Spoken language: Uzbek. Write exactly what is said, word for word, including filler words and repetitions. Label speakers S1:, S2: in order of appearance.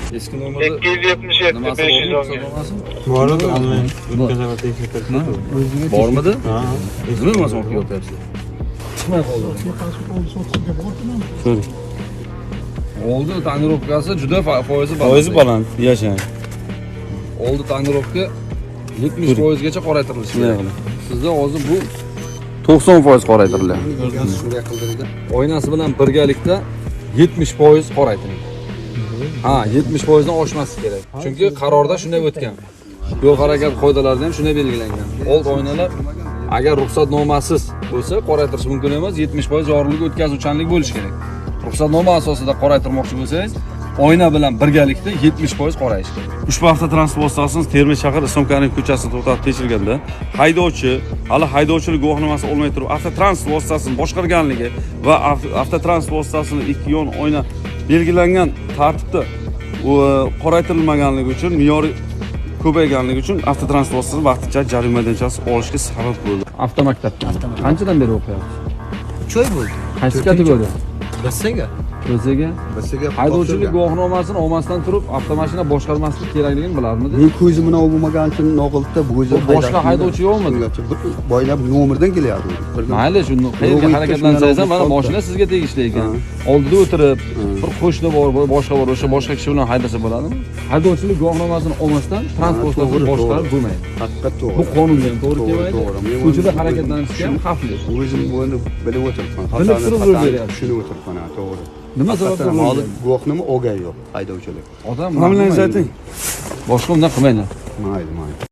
S1: Eski nomerda
S2: ikki yuz yetmish yetti
S1: nimasi
S2: besh yuz
S1: bormi?
S2: o'n.
S1: Ruxsatnomasi?
S3: Bor edi, onlayn o'tkazib tekshirtirib.
S1: Bormidi?
S3: Ha.
S1: Nima emas olib kelyapsiz? Chiqmay qoldi.
S3: So'ring.
S1: Oldi tonirovkasi juda foizi baland.
S3: Foizi baland, yashang.
S1: Oldi tonirovka yetmish foiz gacha qoraytirilishi kerak. Sizda hozir bu to'qson foiz qoraytiriladi.
S4: Shunday qildirdi.
S1: Oynasi bilan birgalikda yetmish foiz qoraytiriladi. Ha, yetmish foiz dan oshmasligi kerak. Chunki qarorda shunday o'tgan. Yo'l harakat qoidalarida ham shunday belgilangan. Old oynalar agar ruxsatnomasiz bo'lsa qoraytirish mumkin emas, yetmish foiz yorug'lik o'tkazuvchanlik bo'lishi kerak. Ruxsatnoma asosida qoraytirmoqchi bo'lsangiz, oyna bilan birgalikda yetmish foiz qorayish kerak.
S3: Ushbu avtotransport vositasini Termiz shahar Islom Karimov ko'chasida to'xtatib tekshirganda, haydovchi hali haydovchilik guvohnomasi olmay turib avtotransport vositasini boshqarganligi va avtotransport vositasini ikki yon oyna belgilangan tartibda qoraytirilmaganligi uchun me'yori ko'payganligi uchun avtotransport vositasini vaqtincha jarima maydonchasi olishga sabab bo'ldi.
S1: Avtomaktabdan. Qanchadan beri o'qiyapsiz?
S4: uch oy bo'ldi.
S1: Qaysi kategoriya?
S4: Bisiga.
S1: O'ziga
S4: Bisiga.
S1: haydovchilik guvohnomasini olmasdan turib avtomashina boshqarmaslik kerakligini bilarmidi?
S4: Men ko'zim bilan bo'lmagan uchun Noqulda bu o'zi
S1: boshqa haydovchi yo'qmi?
S4: Boylab nomerdan kelyapti.
S1: Mayli, shuni qayerga harakatlansangiz ham mana mashina sizga tegishli ekan. Oldida o'tirib, bir qo'shni bor, boshqa bor, o'sha boshqa kishi bilan haydasa bo'ladimi? Haydovchilik guvohnomasini olmasdan transportni boshqarib bo'lmaydi.
S4: Haqiqat to'g'ri.
S1: Bu qonunga ham to'g'ri kelmaydi. Ko'chada harakatlanishga ham xavfli.
S4: O'zim buni bilib o'tiribman.
S1: Bilib turib yo'l beryapsiz.
S4: Tushunib o'tiribman, to'g'ri.
S1: Nima sababdan
S4: hozir guvohnoma olgan yo'q haydovchilik.
S1: Odam
S3: Familiyangizni ayting.
S1: boshqa undan qilmanglar.
S4: Mayli, mayli.